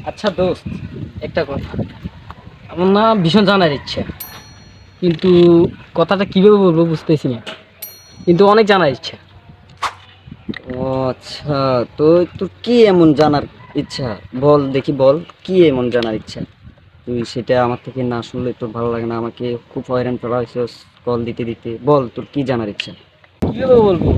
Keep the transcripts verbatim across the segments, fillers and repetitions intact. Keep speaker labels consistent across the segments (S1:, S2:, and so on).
S1: আচ্ছা দোস্ত, একটা কথা। আমার না ভীষণ জানার ইচ্ছা, কিন্তু কথাটা কিভাবে বলবো বুঝতেছি না, কিন্তু অনেক জানার ইচ্ছা।
S2: ও আচ্ছা, তো তোর কি এমন জানার ইচ্ছা? বল দেখি, বল কি এমন জানার ইচ্ছা? তুই সেটা আমার থেকে না শুনলে তোর ভালো লাগে না। আমাকে খুব হয়রান করা হয়েছে কল দিতে দিতে। বল তোর কি জানার ইচ্ছা?
S1: কিভাবে বলবো?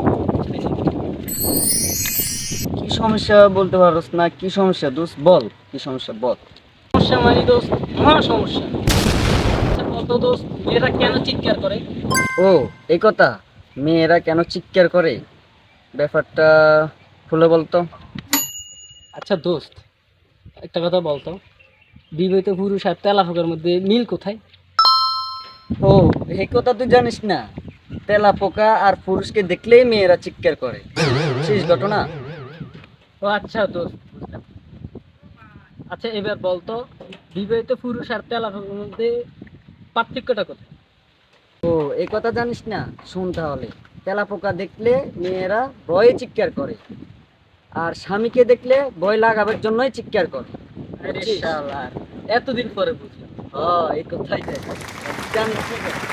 S2: কি সমস্যা বলতে পারস না? কি সমস্যা দোস্ত, বল কি সমস্যা বল।
S1: সমস্যা মানে দোস্ত, মহা সমস্যা। আচ্ছা বলতো দোস্ত, মেয়েরা কেন চিৎকার করে?
S2: ও, এই কথা। মেয়েরা কেন চিৎকার করে, ব্যাপারটা খুলে বলতো।
S1: আচ্ছা দোস্ত, একটা কথা বলতো, বিবাহিত পুরুষ আর তেলা ফোকার মধ্যে মিল কোথায়?
S2: ও, এই কথা তুই জানিস না? তেলা পোকা আর পুরুষকে দেখলেই মেয়েরা চিৎকার করে, শেষ ঘটনা।
S1: ও আচ্ছা দোস্ত, বুঝলাম। আচ্ছা এবার বলতো, বিবাহিত পুরুষ আর তেলা ফোকার মধ্যে পার্থক্যটা কোথায়?
S2: ও, এই কথা জানিস না? শুন তাহলে। তেলা পোকা দেখলে মেয়েরা ভয়ে চিৎকার করে, আর স্বামীকে দেখলে ভয় লাগাবার জন্যই চিৎকার করে।
S1: আরে
S2: বুঝছিস?
S1: শালার, এতদিন পরে বুঝলাম।
S2: ও, এই কথাই দেখ, জানিস ঠিক আছে।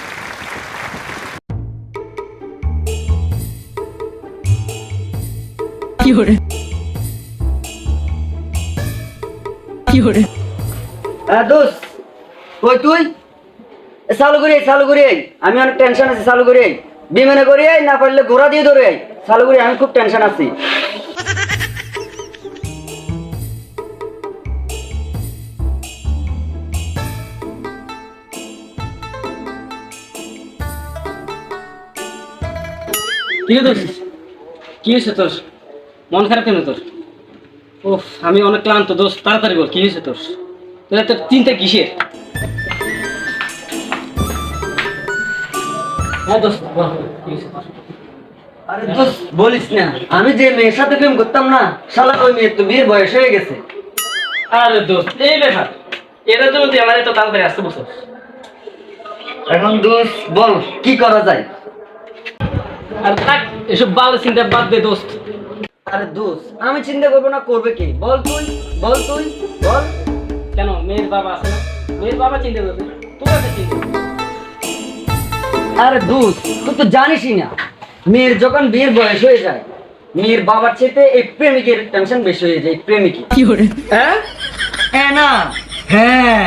S1: কি করে কি করে
S2: হ্যাঁ দোস্ত, কই তুই? এ, চালু করি আই, চালু করি আই। আমি অনেক টেনশন আছি, চালু করি আই। বিমানে করি আই, না পারলে ঘোড়া দিয়ে ধরে আই। চালু করি, আমি খুব টেনশন আছি।
S1: কি রে দোস্ত, কি হয়েছে তোর? মন খারাপ কেন তোর? ওহ, আমি অনেক ক্লান্ত দোস্ত, তাড়াতাড়ি বল কি হয়েছে তোর? তোর এত চিন্তা কিসের? হ্যাঁ দোস্ত বল, কি হয়েছে তোর?
S2: আরে দোস্ত বলিস না, আমি যে মেয়ের সাথে প্রেম করতাম না, শালা ওই মেয়ের তো বিয়ের বয়স হয়ে গেছে।
S1: আরে দোস্ত, এই ব্যাপার, এটার জন্য তুই আমার এত তাড়াতাড়ি আসতে বসো।
S2: এখন দোস্ত বল কি করা যায়?
S1: আর থাক, এসব ভালো চিন্তা বাদ দে দোস্ত।
S2: আরে দোস্ত, আমি চিন্তা করবো না, করবে কি? বল তুই, বল তুই, বল।
S1: কেন, মেয়ের বাবা আছে না? মেয়ের বাবা চিন্তা করবে, তোর এত চিন্তা করবে?
S2: আরে দোস্ত, তুই তো জানিসই না, মেয়ের যখন বিয়ের বয়স হয়ে যায়, মেয়ের বাবার চাইতে এই প্রেমিকের টেনশন বেশি হয়ে যায়। প্রেমিকের
S1: কি করে?
S2: হ্যাঁ হ্যাঁ না হ্যাঁ।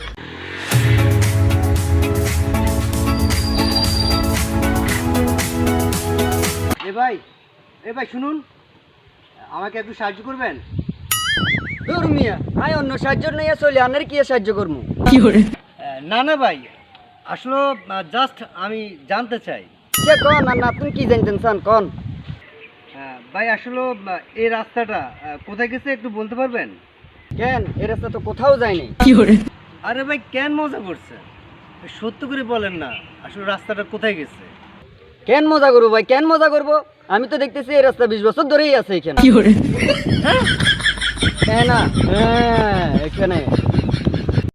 S3: এ ভাই, এ ভাই শুনুন, আমাকে একটু সাহায্য করবেন?
S2: দূর মিয়া, আই অন্য সাহায্য নিয়ে চলে, আনের কি সাহায্য করবো?
S1: কি করে?
S3: আহ, না না ভাই, আসলে জাস্ট আমি জানতে চাই।
S2: সে কন, আর না তুমি কি জানতেন চান কন?
S3: আহ, ভাই আসলে আহ, এই রাস্তাটা আহ, কোথায় গেছে একটু বলতে পারবেন?
S2: কেন, এ রাস্তা তো কোথাও যায়নি।
S1: কি করে?
S3: আরে ভাই কেন মজা করছে, সত্য করে বলেন না, আসলে রাস্তাটা কোথায় গেছে?
S2: কেন মজা করবো ভাই, কেন মজা করবো? আমি তো দেখতেছি এই রাস্তা বিশ বছর ধরেই আছে এখানে।
S1: কি করে?
S2: হ্যাঁ না হ্যাঁ, এখানে